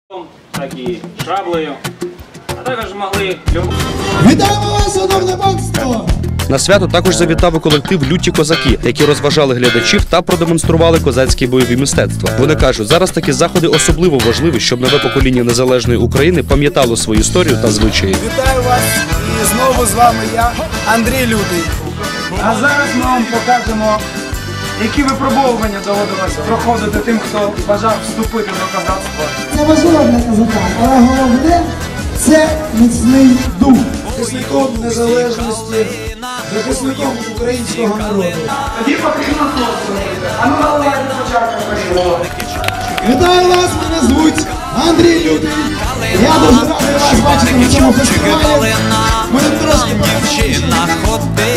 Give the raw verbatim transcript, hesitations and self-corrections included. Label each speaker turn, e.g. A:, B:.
A: так і шаблею, а також могли...
B: Вітаємо вас, шановне панство!
C: На свято також завітав і колектив «Люті козаки», які розважали глядачів та продемонстрували козацькі бойові мистецтва. Вони кажуть, зараз такі заходи особливо важливі, щоб нове покоління незалежної України пам'ятало свою історію та звичаї.
B: Вітаю вас і знову з вами я, Андрій Лютий. А зараз ми вам покажемо, які випробовування доводилось проходити тим, хто бажав вступити до козацтва.
D: Це важливо для козака, але головне – це міцний дух.
B: Захисником незалежності, захисником українського народу. Тоді потрібно хлопцю робити. А ну наливайте спочатку першого. Вітаю вас, мене звуть Андрій Лютий. Я дуже радий вас бачити на цьому фестивалі. Ми трошки